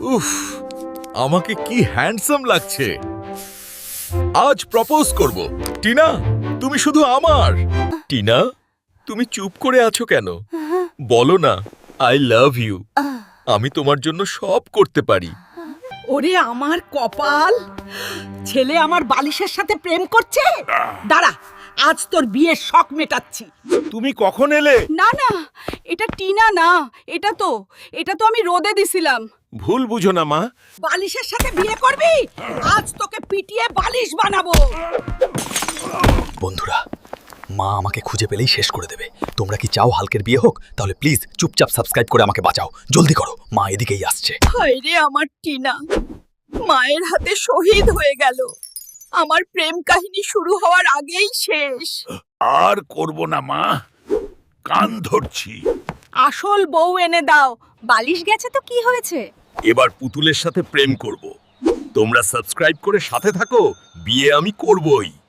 উফ, আমাকে কি হ্যান্ডসাম লাগছে। আজ প্রপোজ করব। টিনা, তুমি শুধু আমার। টিনা, তুমি চুপ করে আছো কেন? বলো না, আই লাভ ইউ। আমি তোমার জন্য সব করতে পারি। ওরে আমার কপাল, ছেলে আমার বালিশের সাথে প্রেম করছে। দাঁড়া, আজ তোর বিয়ের শখ মেটাচ্ছি। তুমি কখন এলে? না না, এটা টিনা না, এটা তো আমি রোদে দিছিলাম। ভুল বুঝো না মা। বালিশের সাথে বিয়ে করবি? আজ তোকে পিটিয়ে বালিশ বানাবো। বন্ধুরা, মা আমাকে খুঁজে পেলেই শেষ করে দেবে। তোমরা কি চাও হালকের বিয়ে হোক? তাহলে প্লিজ চুপচাপ সাবস্ক্রাইব করে আমাকে বাঁচাও। জলদি করো, মা এদিকেই আসছে। হায় রে আমার টিনা, মায়ের হাতে শহীদ হয়ে গেল। আমার প্রেম কাহিনী শুরু হওয়ার আগেই শেষ। আর করব না মা, কান ধরছি। আসল বউ এনে দাও। বালিশ গেছে তো কি হয়েছে? এবার পুতুলের সাথে প্রেম করব। তোমরা সাবস্ক্রাইব করে সাথে থাকো, বিয়ে আমি করবই।